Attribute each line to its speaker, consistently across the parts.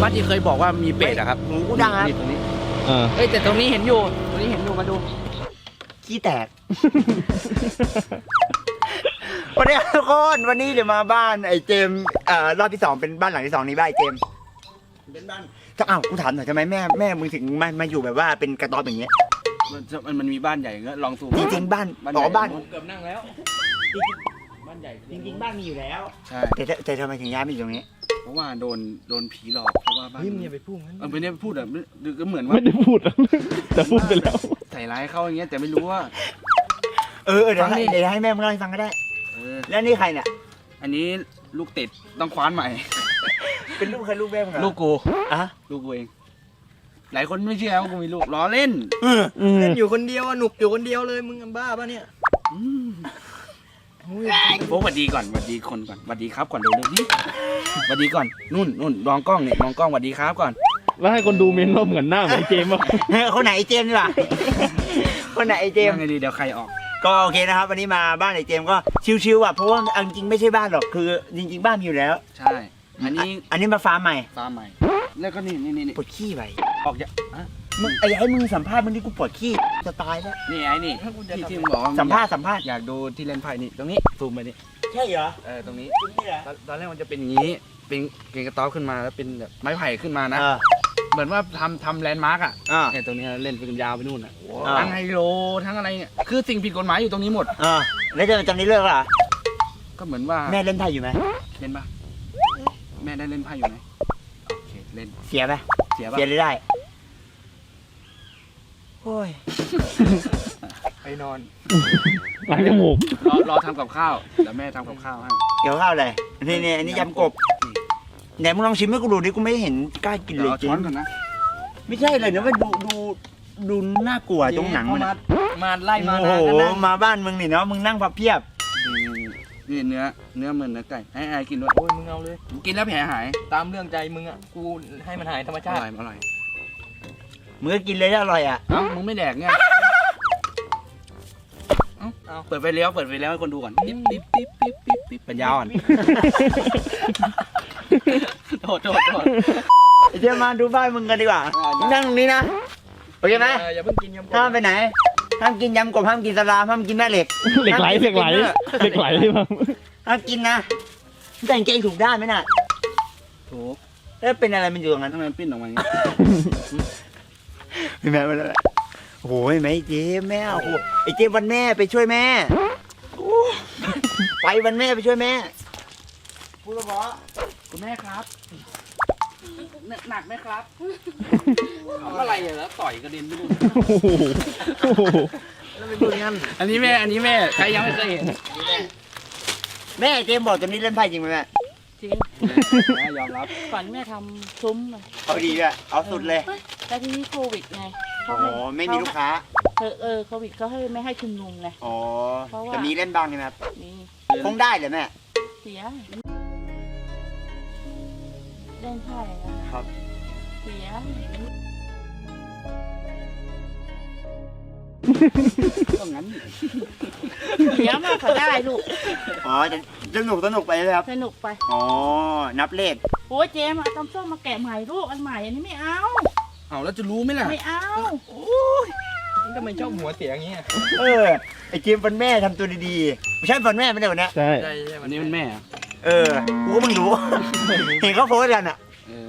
Speaker 1: วัดที่เคยบอกว่ามีเป็ดอะครับ
Speaker 2: หูกูดังครับ
Speaker 1: นี่ตรงนี้เอ้ยแต่ตรงนี้เห็นอยู่มาดู
Speaker 2: ขี้แตก วันนี้ทุกคนวันนี้เดี๋ยวมาบ้านไอ้เจมรอบที่2เป็นบ้านหลังที่2นี้บ้านไอ้เจมเป็นบ้านอ้าวกูถามหน่อยทำไมแม่มึงถึงมาอยู่แบบว่าเป็นกระต๊อบอย่างเงี้ย
Speaker 1: มันมีบ้านใหญ่เงี้ยลองซูม
Speaker 2: จริงๆบ้าน
Speaker 1: ใหญ่
Speaker 2: บ้าน
Speaker 1: เกือบนั่งแล้วบ้านใหญ่
Speaker 2: จริงๆบ้านมีอยู่แล้ว
Speaker 1: ใช่
Speaker 2: แต่ทำไมถึงย้ายมาอยู่ตรงนี้
Speaker 1: เพราะว่าโดนผีหลอกเพราะว่าบ้าน
Speaker 3: เฮ้ยมึงอย่าไปพูดงั้น
Speaker 1: ไม่ได้พูดอะก็เหมือนว่า
Speaker 4: ไม่ได้พูดอะแต่พูดไปแล้ว
Speaker 1: ใส่ร้ายเขาอย่างเงี้ยแต่ไม่รู้ว่า
Speaker 2: เดี๋ยวให้แม่มึงเล่าให้ฟังก็ได้ แล้วนี่ใครเนี่ย
Speaker 1: อันนี้ลูกติดต้องคว้านใหม่
Speaker 2: เป็นลูกใครลูกแม่มึงเหรอ
Speaker 1: ลูกกู
Speaker 2: อ่ะ
Speaker 1: ลูกกูเอง หลายคนไม่เชื่อว่ากูมีลูกล้อเล่น
Speaker 3: เล่นอยู่คนเดียวอะหนุกอยู่คนเดียวเลยมึงบ้าปะเนี่ย
Speaker 1: โอ้สวัสดีก่อนสวัสดีคนก่อนสวัสดีครับก่อนเร็วๆนี่สวัสดีก่อนนู่นมองกล้องเนี่ยมองกล้องสวัสดีครับก่อน
Speaker 4: แล้วให้คนดูเมนว่าเหมือนหน้าเหมือนเจมส์ป่ะ
Speaker 2: คนไหนไอ้เจมส์นี่วะ คนไหนไอ้เจมส์
Speaker 1: ยังไงดีเดี๋ยวใครออก
Speaker 2: ก็โอเคนะครับวันนี้มาบ้านไอ้เจมส์ก็ชิวๆอ่ะเพราะว่าจริงๆไม่ใช่บ้านหรอกคือจริงๆบ้านมีอยู่แล้ว
Speaker 1: ใช่ อันนี้
Speaker 2: มาฟาร์มใหม่
Speaker 1: ฟาร์มใหม่ แล้วก็นี่
Speaker 2: ปวดขี้ไป
Speaker 1: ออกจาก
Speaker 2: มึงไอ้ให้มึงสัมภาษณ์มึงนี่กูปวดขี้จะตายแล้ว
Speaker 1: นี่ไอ้นี่ที่มึงบอกว่า
Speaker 2: สัมภาษณ์
Speaker 1: อยากดูที่เล่นไพ่นี่ตรงนี้ซูมไปนี่
Speaker 2: ใช่เหรอ
Speaker 1: ตรงนี้
Speaker 2: จริงนี่เหรอ
Speaker 1: ตอนแรกมันจะเป็นอย่างนี้เป็นเกงกระต๊อบขึ้นมาแล้วเป็นแบบไม้ไผ่ขึ้นมานะ เหมือนว่าทำแลนด์มาร์กอ่ะเนี่ยตรงนี้เล่นเป็นยาวไปนู่นอ่ะทั้งไฮโลทั้งอะไรเนี่ยคือสิ่งผิดกฎหมายอยู่ตรงนี้หมด
Speaker 2: แล้วจะจำนี้เลิกเหรอ
Speaker 1: ก็เหมือนว่า
Speaker 2: แม่เล่นไพ่อยู่ไหม
Speaker 1: เล่นปะแม่ได้เล่นไพ่อยู่ไหมโอเคเล่น
Speaker 2: เสียไหม
Speaker 1: เสียปะ
Speaker 2: เสียเลยได้โอ้ย
Speaker 3: ไปนอน
Speaker 4: หลังจมูก
Speaker 1: รอทำกับข้าวเดี๋ยวแม่ทำกับข้าวให้
Speaker 2: เกี่ยวข้าวอะไรนี่อันนี้ยำกบไหนมึงลองชิมให้กูดูดิกูไม่เห็นกล้ากินเลย
Speaker 1: เอา
Speaker 2: จริ
Speaker 1: ช้อนก่อนนะ
Speaker 2: ไม่ใช่เลยนะว่าดูน่ากลัวตรงหนังมันอะ
Speaker 3: มาไล่มา
Speaker 2: โอ้
Speaker 3: นะ
Speaker 2: โห
Speaker 3: กันนะ
Speaker 2: มาบ้านมึงนี่เนาะมึงนั่งพับเพียบ
Speaker 1: นี่เนื้อเหมือนเนื้อไก่ให้ไอ้กินด้วย
Speaker 3: โอ้ยมึงเอาเลย
Speaker 1: กินแล้วแผลหาย
Speaker 3: ตามเรื่องใจมึงอ่ะกูให้มันหายธรรม
Speaker 1: อ
Speaker 3: ชาติ
Speaker 1: ร่อยอร่อย
Speaker 2: มึงก็กินเลยถ้าอร่อยอ่ะ
Speaker 1: เอ้ามึงไม่แดกไงเอาเปิดไฟเลี้ยวให้คนดูก่อนปิ๊บปัญญาอ่อนโทษ
Speaker 2: เดี๋ยวมาดูบ้านมึงกันดีกว่ามึงนั่งตรงนี้นะโอเคไหม
Speaker 3: อย่าเพิ่งกินยำกบ
Speaker 2: ห้ามไปไหนห้ามกินยำกบห้ามกินสลามห้ามกินแม่เหล็ก
Speaker 4: เหล็กไหลใช่ไหม
Speaker 2: ห้ามกินนะแต่งเกงถูกด้านไหมน่ะ
Speaker 1: ถูก
Speaker 2: แล้วเป็นอะไรมันอยู่ตรงนั้น
Speaker 1: ทำไมมันปิ้นออกมาอย่างนี้
Speaker 2: ไม่แม่มาแล้วโอ้ยแม่เจ๊แม่โอ้โหไอ้เจ๊วันแม่ไปช่วยแม่โอ้ไปวันแม่ไปช่วยแม่พูดแล้วบอ
Speaker 1: คุณแม่ครับหนักไหมครับทำอะไรแล้วต่อยกระเด็นไปนู่น
Speaker 2: แล้วไปดูงั้น
Speaker 1: อันนี้แม่ใครยังไม่เคยเห็น
Speaker 2: แม่เจมบอกตอนนี้เล่นไพ่จริงไหมแม่
Speaker 5: จริง
Speaker 1: แม่ยอมรับ
Speaker 5: ก่อนแม่ทำซุ้มอะ
Speaker 2: เอาดีด้วยเอาสุดเลย
Speaker 5: แล้วทีนี้โควิดไง
Speaker 2: อ๋อไม่มีลูกค้า
Speaker 5: โควิดเขาให้ไม่ให้ชุมนุมไง
Speaker 2: อ๋อ
Speaker 5: เพราะว่า
Speaker 2: จะมีเล่นบ้างใช่ไหมครับ
Speaker 5: นี่
Speaker 2: คงได้เลยแม่
Speaker 5: เสียเล่นไพ่นะครับ เสีย
Speaker 1: ก็งั้น
Speaker 5: เสียมากกว่าได้ลูก
Speaker 2: อ๋อจะสนุกไปเลยครับ
Speaker 5: สนุกไป
Speaker 2: อ๋อนับเลข
Speaker 5: โอ้ยเจมเอาตำส้มมาแกะใหม่ลูกอันใหม่อันนี้ไม่เอา
Speaker 1: เอาแล้วจะรู้ไหมล่ะ
Speaker 5: ไม่เอา
Speaker 3: มึงทำไมชอบหัวเสียอย่างเงี้ย
Speaker 2: ไอ้เจมวันแม่ทำตัวดีๆไม่ใช่วันแม่ไม่ได้วันนี้
Speaker 4: ใช่
Speaker 3: ใช่
Speaker 1: วันนี้มันแม่อะ
Speaker 2: กูก็เพิ่งรู้ เห็นเขาโพสต์กันอ่ะ
Speaker 1: เออ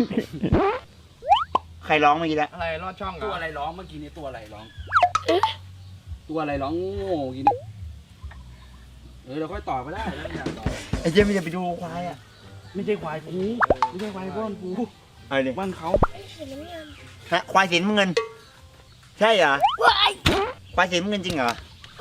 Speaker 2: ใครร้องเมื่อกี้แล้ว
Speaker 3: อะไรรอดช่อง
Speaker 1: ตัว
Speaker 3: อ่ะ
Speaker 1: อะไรร้องเมื่อกี้นี้ตัวอะไรร้องตัวอะไรร้องโง่กินนี่เราค่อยต่อไปได้แล้วอยากต่อ
Speaker 2: ไอ้เจมมันจะไปดูควายอ่ะ
Speaker 1: ไม่ใช่ควายกูไม่ใช่ควายบ้านกู
Speaker 2: อะไรเนี่ย
Speaker 1: บ้านเขา
Speaker 2: ฮะควายสีน้ำเงิน ใช่เหรอควายสีน้ำเงินจริงเหรอ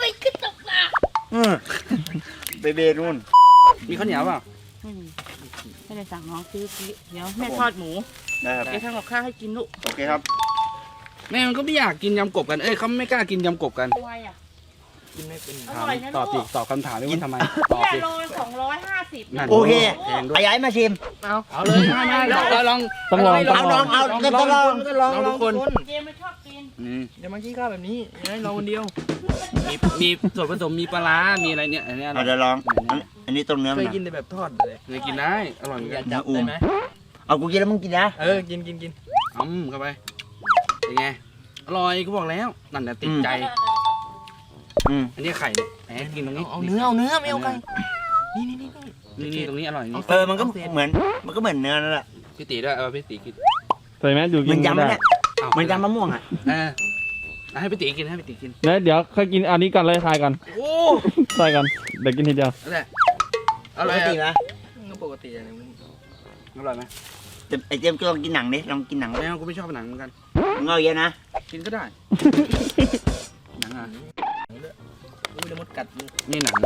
Speaker 2: เบเบนู่น
Speaker 1: มีข้าวเหนียวเปล่า
Speaker 5: ไม่ได้สั่งน้องซื้อเดี๋ยวแม่ทอดหมู
Speaker 2: ได้ครับ
Speaker 5: เดี๋ยวทำกับข้าวให้กินลูก
Speaker 2: โอเคครับ
Speaker 1: แม่มันก็ไม่อยากกินยำกบกันเขาไม่กล้ากินยำกบกัน
Speaker 5: ทำไมอ่ะ
Speaker 3: กินไม่เป็น
Speaker 5: อร่อยนะ
Speaker 1: ตอบ
Speaker 5: ลู
Speaker 1: ดิ
Speaker 5: ก
Speaker 1: ตอบคำถามด้วยว่าทำไมตอบ
Speaker 5: เนี่ย
Speaker 1: ดิ
Speaker 5: โล250
Speaker 1: นั่น
Speaker 2: โอเค
Speaker 1: แพงด้วย
Speaker 2: ไอ้ย้ายมาชิม
Speaker 1: เอาเลยไม่ลอง
Speaker 4: ต้องลอง
Speaker 1: ทุกคน
Speaker 5: เจมไม่ชอบกิน
Speaker 3: เดี๋ยวมาขี้ข้าวแบบนี้อย่าให้เราคนเดียว
Speaker 1: มีส่วนผสมมีปลาร้ามีอะไรเนี่ยอันนี้
Speaker 2: เราจะลอง อันนี้ตรงเนื้อ
Speaker 3: เค
Speaker 2: มัน
Speaker 3: ย
Speaker 2: อะ
Speaker 3: กินแต่แบบทอดเลย
Speaker 1: เคยกินได้อร่อยเหมือน
Speaker 3: อย่า
Speaker 1: กัน
Speaker 3: จับได้ไหม
Speaker 2: เอากูกินแล้วมึงกินนะ
Speaker 3: กิน
Speaker 1: เข้าไปเป็นไงอร่อยกูบอกแล้วนั่นแหละติดใจ อันนี้ไข่เนี่ยแหมกินตรงนี้
Speaker 3: เอาเนื้อไม่เอาไก่นี่
Speaker 1: นี่ตรงนี้อร่อยนี่
Speaker 2: มันก็เหมือนเนื้อนั่นแหละ
Speaker 1: พี่ตีด้วยพี่ตีกิน
Speaker 4: ใส่แมสอยู่กิ
Speaker 2: มัน
Speaker 4: น
Speaker 2: ยำ
Speaker 4: ไม่ได้
Speaker 2: เนี่ยมันยำมะม่วงอ่ะ
Speaker 1: ให้พี่ตีกินให้พี่ตีกิน
Speaker 4: แล้วเดี๋ยวค่อยกินอันนี้ก่อนเลยทายก่อน
Speaker 1: โอ้
Speaker 4: ทายก่อนเดี๋ยวกินทีเดียว
Speaker 1: นั่นแหละอ
Speaker 2: ป
Speaker 1: ร่อก ย
Speaker 2: ตินะ
Speaker 3: ก็ปกติอะไรมึง
Speaker 1: อร่อยไหม
Speaker 2: ไอเจมส์ก็ลองกินหนังดิลองกินหนัง
Speaker 1: ไม่เอากูไม่ชอบหนังเหมือนกัน
Speaker 2: มึงเอาเยอะนะ
Speaker 1: กินก็ได้หนังอ่ะ
Speaker 3: อุ้ยเดี๋ยวมดกัดมึง
Speaker 1: นี่หนัง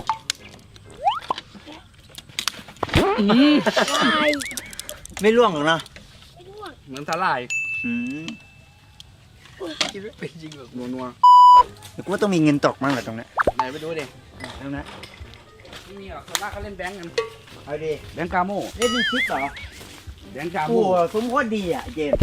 Speaker 2: ไม่ร่วงหรอกเนาะ
Speaker 1: เหมือนสาหร่าย
Speaker 2: อืม
Speaker 3: กินไม่เป็นจริงแบบ
Speaker 1: นัว
Speaker 2: แต่กูว่าต้องมีเงินตกมั้งแหละตรงนี้
Speaker 1: ๆไหนไปดูดิ
Speaker 2: ตรงนั้น
Speaker 1: ไม่มีหรอกคนมากเขาเล่นแบงก์กัน
Speaker 2: เอาดิ
Speaker 1: แบงก์กาโม่
Speaker 2: เล่นเป็นชิปเหรอ
Speaker 1: แบงก์กา
Speaker 2: โอ้
Speaker 1: โม่
Speaker 2: โหซุ้มโคตรดีอ่ะเจมส์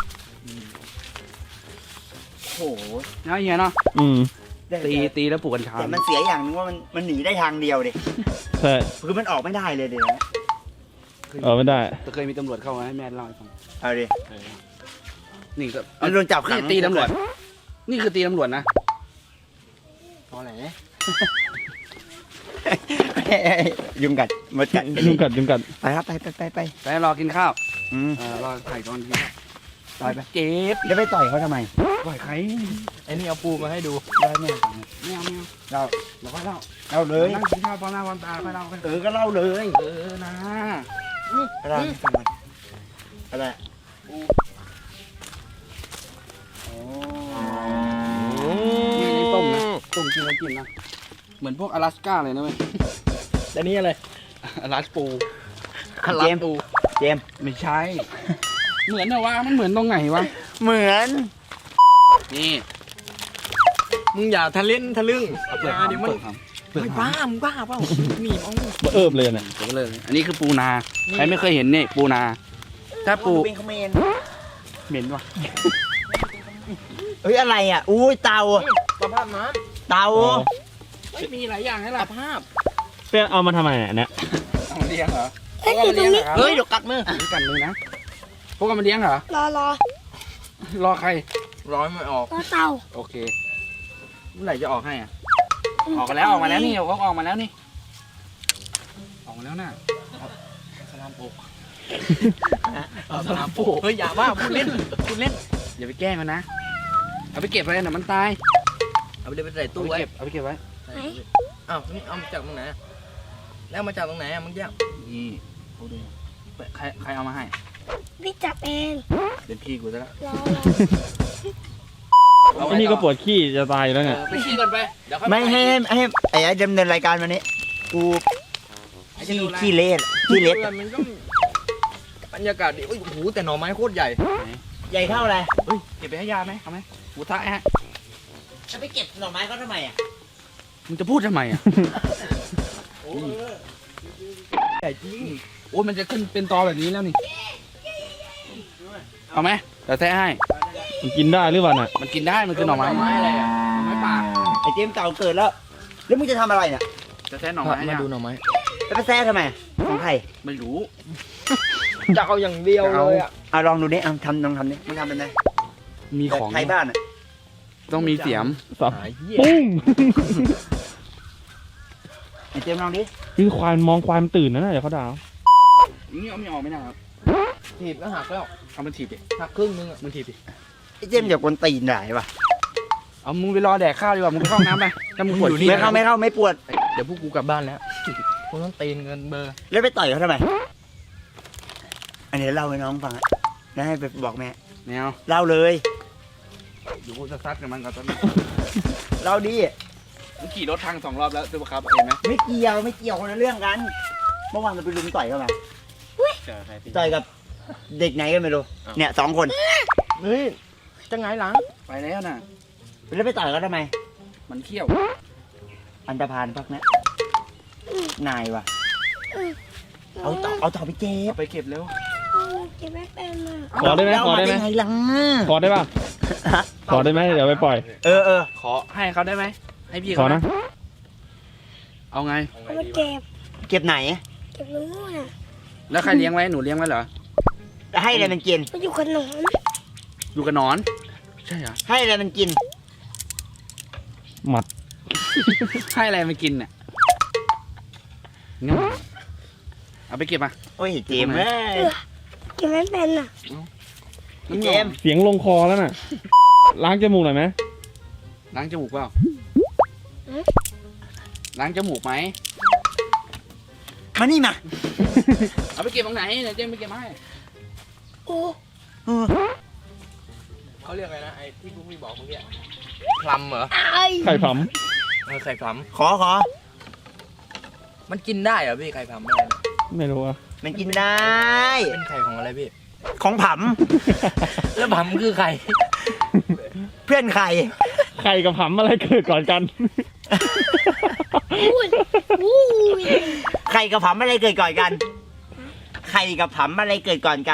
Speaker 2: โอ้โห
Speaker 1: นะเฮียเนาะ
Speaker 2: ได้
Speaker 1: ตีแล้วปลูกกัญชา
Speaker 2: แต่มันเสียอย่างนึงว่ามันหนีได้ทางเดียวดิ
Speaker 4: ใช่
Speaker 2: คือมันออกไม่ได้เลยเดี๋ยวนะ
Speaker 4: ไม่ได้
Speaker 1: แต่เคยมีตำรวจเข้ามาให้แม่เล่าให้ฟัง
Speaker 2: เอาดิ
Speaker 1: นี่ก็
Speaker 2: มันโดนจับขัง
Speaker 1: นี่ตีตำรวจ นี่คือตีตำรวจนะ
Speaker 3: พอแหละ
Speaker 2: ยุงกัดมดกัด
Speaker 4: ยุงกัด
Speaker 2: ไปครับไป
Speaker 1: ไปรอกินข้าว
Speaker 2: อืม
Speaker 1: รอถ่ายตอนกินข้าวต่อยไปเก็บ
Speaker 2: แล้วไปต่อยเขาทำไม
Speaker 1: ต่อยใคร
Speaker 3: ไอ้นี่เอาปูมาให้ดู
Speaker 2: ได้ไหม
Speaker 1: ไม่เอา
Speaker 2: เรา
Speaker 1: เราค่อยเล่า
Speaker 2: เราเลย
Speaker 1: นั่งกินข้าวพร้อมหน้าพร้อมตาค่อยเล่ากัน
Speaker 2: ก็เล่าเลย
Speaker 1: นะ
Speaker 2: อะไรอะไร
Speaker 1: นี่ต้มนะต้มกินแล้วกินนะเหมือนพวกอลาสก้าเลยนะเว้ย
Speaker 3: แต่นี่อะไร
Speaker 1: อลาสปู
Speaker 2: เจมส์เจมส์
Speaker 1: ไม่ใช่ เหมือนนะวะมันเหมือนตรงไหนวะ
Speaker 2: เหมือน
Speaker 1: นี่
Speaker 3: มึงอย่าทะเล่นทะลึ่ง
Speaker 1: เปิด
Speaker 3: เดี๋ยวมัน
Speaker 1: เปิด
Speaker 3: ไม่บ้ามึงบ้าเปล่าหนีบเอา
Speaker 4: เอิบเลยเนี่ย
Speaker 1: เปิดเลยอันนี้คือปูนาใครไม่เคยเห็นนี่ปูนา ถ้าปู
Speaker 2: เป็นคอมเมน
Speaker 1: เหม็นวะ
Speaker 2: เฮ้ยอะไรอ่ะอุ้ยเตา
Speaker 3: สภาพน้
Speaker 2: เตา
Speaker 1: ไม่มีหลายอย่างให้
Speaker 3: ำ
Speaker 1: ล่ะ
Speaker 3: สภาพ
Speaker 4: เป้เอามาทำไมเนี่ย
Speaker 1: เอามาเลี้ยงเหรอพวกเอามาเลี้ยงเหรอครับ
Speaker 3: เฮ้ยเดี๋ยวกัดมือ
Speaker 1: นี่กันมือนะพวกเอามาเลี้ยงเหรอ รอใคร
Speaker 3: ร้อยไม่ออก
Speaker 1: โอเคเมื่อไหร่จะออกให้อ่ะออกมาแล้วนี่เขาออกมาแล้วนี่ออกมาแล้วน่ะสลามโปก
Speaker 3: เอาสนามปูเฮ้ยอย่าว่าพูดเล่น
Speaker 1: อย่าไปแกล้งมันนะเอาไปเก็บไว้นะมันตาย
Speaker 3: เอาไปเลยไปใส่
Speaker 1: เอา
Speaker 3: ตู้
Speaker 1: ไป
Speaker 3: ไว้
Speaker 1: เก็บเอาไปเก็บไว้
Speaker 3: อ้าวนี่เอามาจากตรงไหนอะแล้วมาจากตรงไหนอะมึงแยก
Speaker 1: นี่เขาดูใครเอามาให้
Speaker 6: พี่จับเอง
Speaker 1: เป็นพี่กูซะแล้ว
Speaker 6: รอ
Speaker 4: อันนี้ก็ปวดขี้จะตายอยู่แล้วไง
Speaker 1: ไปขี้ก่อนไปเดี๋ยวค่อย
Speaker 2: ไม่ให้ไอ้ดำเนินรายการวันนี้กูขี้เละขี้เละ
Speaker 3: มันก็บรรยากาศดีโอ้ยโอ้โหแต่หน่อไม้โคตรใหญ่
Speaker 2: ใหญ่เท่าอะไร
Speaker 1: เฮ้ยเก็บไปให้ยาไหมเอาไหมกูท้าฮะ
Speaker 2: จะไปเก็บหน่อไม้เขาทำไมอ่ะ
Speaker 1: มึงจะพูดทำไมอ่ะ
Speaker 3: ใหญ่จริง
Speaker 1: โอ้ยมันจะขึ้นเป็นตอแบบนี้แล้วนี่เอาไหมเดี๋ยวแท้ให้
Speaker 4: มันกินได้หรือเปล่าน่ะ
Speaker 1: มันกินได้มันคือหน่อไม้
Speaker 3: อะไรอะ
Speaker 1: หน่อไม้ป่า
Speaker 2: ไอ้เจมส์เก่าเกิดแล้วแล้วมึงจะทำอะไรเนี่ย
Speaker 1: จะแท้หน่อไม้
Speaker 3: มา
Speaker 1: เนี่ย
Speaker 3: ดูหน่อไม้
Speaker 2: แล้วไปแซ่ทำไมของใคร
Speaker 1: ไม่รู้
Speaker 3: จะเอาอย่างเดียวเลยอะ
Speaker 2: เอาลองดูดิเอาทำลองทำดิมึงทำเป็นไง
Speaker 1: มีของ
Speaker 2: ไทยบ้านอ่ะ
Speaker 1: ต้องมีเสียม
Speaker 4: สับ
Speaker 3: หายเหี้ย
Speaker 4: ปุ้ง
Speaker 2: ไอ้เจมส์ลองดิ
Speaker 4: คือควายมองควายมันตื่นนะเดี๋ยวเขาด่า
Speaker 1: อย่างนี้เอาไม่ออกไม่ได้ครับ
Speaker 3: ถีบก็หักแล้ว
Speaker 1: เอามันถีบดิ
Speaker 3: หักครึ่งนึงอะ
Speaker 1: มันถีบดิ
Speaker 2: ไอ้เจมส์อย่ากวนตีนได้ปะ
Speaker 1: เอามึงไปรอแดกข้าวดีกว่ามึงไปเข้าห้องน้ำไปถ้ามึงปวดขี้
Speaker 2: ไม่เข้าไม่ปวด
Speaker 3: เดี๋ยวพวกกูกลับบ้านแล้วพวกต้องตีนเงินเบอร์
Speaker 2: แล้วไปต่อยเขาทำไมอันนี้เล่าให้น้องฟังอ่ะแล้วให้ไปบอกแม่
Speaker 1: แนว
Speaker 2: เล่าเลย
Speaker 1: อยู่กูจะซัดกับมันก่อนตอนนี้
Speaker 2: เล่าดิ
Speaker 1: มึงขี่รถทาง2 รอบแล้วตัวครับเห็นไหม
Speaker 2: ไม่เกี่ยวคนละเรื่องกันเมื่อวานเราไปลุมต่อยเขามา
Speaker 1: เจอใครพี่
Speaker 2: ต่อยกับเด็กไหนก็ไม่รู้เนี่ย2 คน
Speaker 3: เฮ้ยจะไงหลัง
Speaker 1: ไปแล้วน่ะ
Speaker 2: แล้วไปต่อยเขาทำไม
Speaker 1: มันเขี้ยว
Speaker 2: อันตรพานพักนะนายว่ะเอาต่อไปเจ็บ
Speaker 1: เอาไปเก็บเร็ว
Speaker 6: เก็บไม่เป็นอ่ะ
Speaker 4: ขอได้ไหมขอได้ไหม
Speaker 2: เาาไงล่ะ
Speaker 4: ขอได้ป่ะขอได้ไหมเดี๋ยวไปปล่อย
Speaker 2: เออ
Speaker 1: ขอให้เขาได้ไหมให้พี่
Speaker 4: ขอ
Speaker 1: เขา
Speaker 4: นะ
Speaker 1: เอาไง
Speaker 6: เอามาเก็บ
Speaker 2: เก็บไหน
Speaker 6: เก็บรู้น่ะ
Speaker 1: แล้วใครเลี้ยงไว้หนูเลี้ยงไว้เหรอ
Speaker 2: ให้อะไรมันกิน
Speaker 6: มันอยู่กับหนอน
Speaker 1: อยู่กับหนอน ใช่เหรอ
Speaker 2: ให้อะไรมันกิน
Speaker 4: หมัด
Speaker 1: ให้อะไรมากินเนี่ยงั้นเอาไปเก็บมา
Speaker 2: โอ้ยเจมส์เอ้ย
Speaker 6: เก็บไม่เป็นอ่ะ
Speaker 2: เจมส์
Speaker 4: เสียงลงคอแล้วน่ะ ล้างจมูกหน่อยไหม
Speaker 1: ล้างจมูกเปล่าล้างจมูกไหม
Speaker 2: มานี่มา
Speaker 1: เอาไปเก็บตรงไหนเดี๋ยวเจมไปเก็บมาให้
Speaker 6: โอ้
Speaker 3: เขาเรียกอะไรนะไอ้ที่พวกพี่บอกเมื่อกี้พลัมเหรอ
Speaker 6: ไอ้
Speaker 4: ไข่ผ
Speaker 3: ไข่พลัม
Speaker 2: ขอ
Speaker 3: มันกินได้เหรอพี่ไข่พลัมอะไรนะ
Speaker 4: ำไม่รู้อะ
Speaker 2: มันกินได้
Speaker 3: เป็นไข่ของอะไรพี่
Speaker 2: ของผ
Speaker 3: แล้วพลัมคือไข่
Speaker 2: ำเพื่อนใคร
Speaker 4: ไข่กับผำอะไรเกิดก่อนกัน
Speaker 6: อุ้ยอุ้ย
Speaker 2: ไข่กับผำอะไรเกิดก่อนกัน ไข่กับผำอะไรเกิดก่อนกัน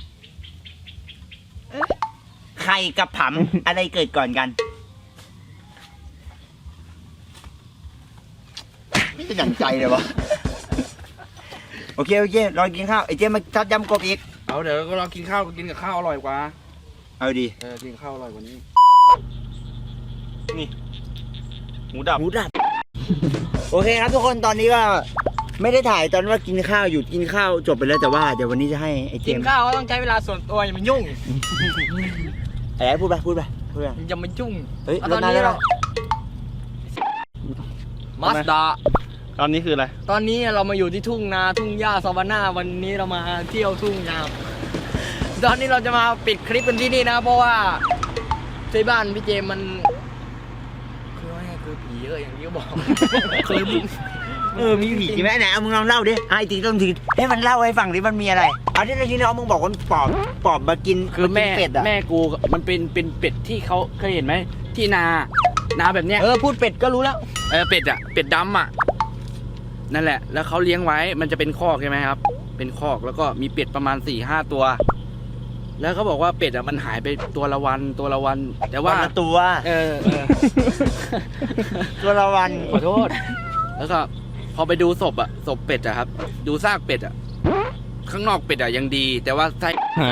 Speaker 2: ไข่กับผำอะไรเกิดก่อนกันไม่เป็นอย่างใจเลยวะโอเครอกินข้าวไอ้เจ๊มาทัดยำกบอีก
Speaker 1: เอาเดี๋ยวก็ลองกินข้าวกินกับข้าวอร่อยกว่า
Speaker 2: เอาดี
Speaker 1: กินกับข้าวอร่อยกว่านี้
Speaker 2: หมูดับโอเคครับทุกคนตอนนี้ก็ไม่ได้ถ่ายตอนว่ากินข้าวอยู่กินข้าวจบไปแล้วแต่ว่าเดี๋ยววันนี้จะให้ไอ้เจ
Speaker 3: กิน
Speaker 2: มส์
Speaker 3: ข้าวก็ต้องใช้เวลาส่วนตัวอย่ามายุ่ง
Speaker 2: ไอ้พูดไป
Speaker 3: อย่ามายุ่ง
Speaker 2: เฮ้ย
Speaker 3: เอา
Speaker 2: ร
Speaker 3: ต
Speaker 2: ถ
Speaker 3: อน
Speaker 2: นาน
Speaker 3: นี้
Speaker 2: แล้ว
Speaker 3: เรามาสด้า
Speaker 4: ตอนนี้คืออะไร
Speaker 3: ตอนนี้เรามาอยู่ที่ทุ่งนาทุ่งหญ้าซาวาน่าวันนี้เรามาเที่ยวทุ่งนาตอนนี้เราจะมาปิดคลิปกันที่นี่นะ เพราะว่าที่บ้านพี่เจมมันคือว่าไงคือผีอย่างที่เขาบอก คือ
Speaker 2: มีผีจริงไหมไหนเอามึงลองเล่าดิไอ้จริงต้องทีให้มันเล่าให้ฟังดิมันมีอะไรเอาที่น้องมึงบอกว่าปอบมากิน
Speaker 1: คือแม่
Speaker 2: เป็ดอะ
Speaker 1: แม่กูมันเป็นเป็ดที่เขาเคยเห็นไหมที่นาแบบเนี้ย
Speaker 3: พูดเป็ดก็รู้แล้ว
Speaker 1: เป็ดอ่ะเป็ดดำอ่ะนั่นแหละ แล้วเขาเลี้ยงไว้มันจะเป็นคอกใช่ไหมครับ เป็นคอกแล้วก็มีเป็ดประมาณ 4-5 ตัว แล้วเขาบอกว่าเป็ดอ่ะมันหายไปตัวละวัน แต่ว่า
Speaker 2: วันละตัว ตัวละวัน
Speaker 1: ขอโทษ แล้วก็พอไปดูศพเป็ดอะครับ ดูซากเป็ดอะข้างนอกเป็ดอะยังดี แต่ว่าไส้
Speaker 4: หาย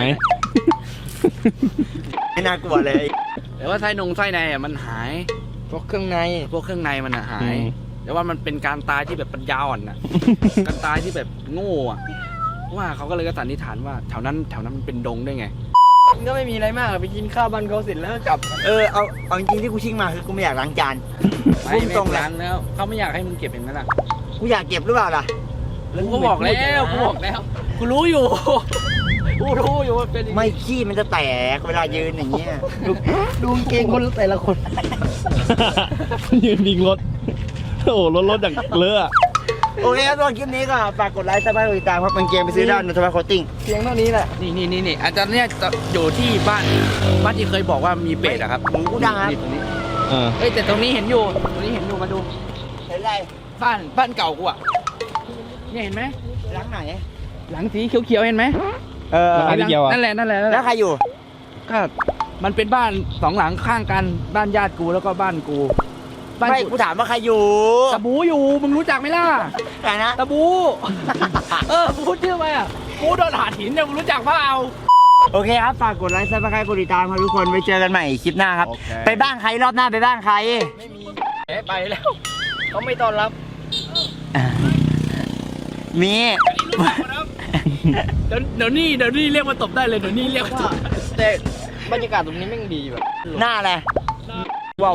Speaker 2: ไม่น่ากลัวเลย
Speaker 1: แต่ว่าไส้ในอะมันหาย
Speaker 3: พวกเครื่องใน
Speaker 1: พวกเครื่องในมันอะหาย
Speaker 4: อืม
Speaker 1: แต่ว่ามันเป็นการตายที่แบบปัญญาอ่อนอะ การตายที่แบบโง่อะว่าเขาก็เลยก็สันนิษฐานว่าแถวนั้นมันเป็นดงได้ไง
Speaker 3: มันก็ไม่มีอะไรมากไปกินข้าวบ้านเขาเสร็จแล้วก็กลับ
Speaker 2: เอาจริงๆที่กูชิ่งมาคือกูไม่อยากล้างจาน
Speaker 1: ไม่
Speaker 2: พุ่งตรงเลย
Speaker 1: ล้างแล้วเขาไม่อยากให้มึงเก็บอย่างนั้นอะ
Speaker 2: กูอยากเก็บหรือเปล่าล่ะ
Speaker 1: กูก็บอกแล้วกูรู้อยู่ กูรู้อยู่ว่าเป็นอย่างนี้
Speaker 2: ไม่ขี้มันจะแตกเวลายืนอย่างเงี้ย
Speaker 3: ดูกางเกงคนแต่ละคน
Speaker 4: ยืนยิงรถ โอ้โหรถอย่างเลอะอะ
Speaker 2: โอเคครับตอนคลิปนี้ก็ฝากกดไลค์ซับสไครต์ติดตามครับมันเกมไปซื้อได้ในทวิตโคตติ้ง
Speaker 3: เพียงเท่านี้แหละ
Speaker 1: นี่อาจารย์เนี่ยจะอยู่ที่บ้านที่เคยบอกว่ามีเป็ดอะครับ
Speaker 2: หมูกูดังครับ
Speaker 1: นี่ตรงนี้
Speaker 4: อ่า
Speaker 1: เอ้ยแต่ตรงนี้เห็นอยู่มาดู
Speaker 2: เห็นไร
Speaker 1: บ้านเก่ากูอะเนี่ยเห็นไหม
Speaker 2: หลังไหน
Speaker 1: หลังสีเขียวๆเห็นไหม
Speaker 4: แล้วใครที่เกี่ยวอะ
Speaker 1: นั่นแหละ
Speaker 2: แล้วใครอยู่
Speaker 1: ก็มันเป็นบ้าน2 หลังข้างกันบ้านญาติกูแล้วก็บ้านกู
Speaker 2: ไม่กูถามว่าใครอยู่
Speaker 1: ตะบูอยู่มึงรู้จักไหมล่ะ
Speaker 2: ใครนะ
Speaker 1: ตะบู พูดชื่อไปอ่ะกูโดนหาหินเนี่ยมึงรู้จักเปล่า
Speaker 2: โอเคครับฝากกดไลค์ซับสไครต์กดติดตามครับทุกคนไว้เจอกันใหม่คลิปหน้าครับ
Speaker 1: โอเค
Speaker 2: ไปบ้านใครรอบหน้าไปบ้านใคร
Speaker 3: ไม่มีไปแล้วเขาไม่ต้อนรับ
Speaker 2: มี
Speaker 1: เดี๋ยวนี่เรียกมาตบได้เลยเดี๋ยวนี่เรียกมาตบ
Speaker 3: แต่บรรยากาศตรงนี้แม่งดีแบบ
Speaker 2: หน้าอะไร
Speaker 1: ว้าว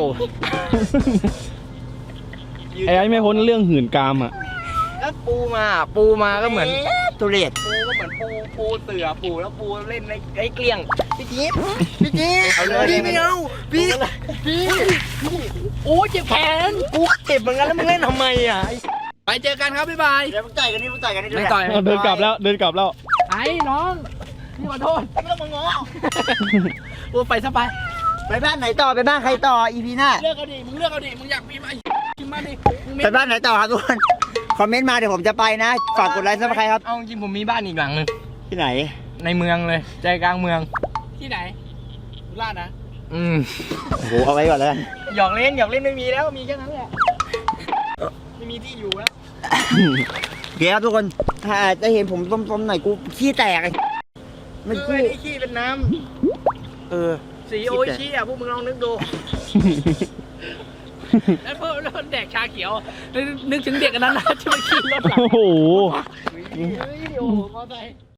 Speaker 4: ไอ้ไม่พ้นเรื่องหื่นกามอ่ะ
Speaker 3: แล้วปูมาก็เหมือน
Speaker 2: ตุเรศ
Speaker 3: ปูเสือปูแล้วปูเล่นไอ้เกลี้ยงพี่จี๊ดเอาเลยพี่ไม่เอาพี่โอ้เจ็บแขนกูเจ็บเหมือนกันแล้วมึงเล่นทำไมอ่ะ
Speaker 1: ไปเจอกันครับบ๊ายบาย
Speaker 2: เดี๋ยวมึงต่อยกันนี่มึงต่อยกันนี่
Speaker 1: ไม่ต่อย
Speaker 4: เดินกลับแล้ว
Speaker 1: ไอ้น้องพี่ขอโทษ
Speaker 2: ไม่ต้องมาง้อ
Speaker 1: กูไปซะไป
Speaker 2: ไปบ้านไหนต่อไปบ้านใครต่ออีพีหน้า
Speaker 1: เลือกเอาดิมึงเลือกเอาดิมึงอยากมีไหมกินมาดิมึงมี
Speaker 2: ไปบ้านไหนต่อครับทุกคนคอมเมนต์มาเดี๋ยวผมจะไปนะฝากกดไลค์ซับสไครต์ครับ
Speaker 3: เอาจริงผมมีบ้านอีกหลังนึง
Speaker 2: ที่ไหน
Speaker 3: ในเมืองเลยใจกลางเมือง
Speaker 1: ที่ไหนสุราษฎร์นะ
Speaker 2: โอ้โหเอาไว้ก่อนแล้วกัน
Speaker 3: หยอกเล่นไม่มีแล้วมีแค่นั้นแหละไม่มีที่อยู่แล้ว
Speaker 2: โอเคครับทุกคนถ้าจะเห็นผมต้มๆหน่อยกูขี้แตกมัน
Speaker 3: คือ
Speaker 2: คู่
Speaker 3: ไอ้นี่ขี้เป็นน้
Speaker 2: เออ
Speaker 3: ำสีโออิชิอ่ะพวกมึงลองนึกดู แล้วพวกเราแดกชาเขียว นึกถึงเด็กอันนั้นนะที่มันขี่รถหลัง
Speaker 4: โอ้โห
Speaker 3: เฮ้ยโอ้โหมอไซค์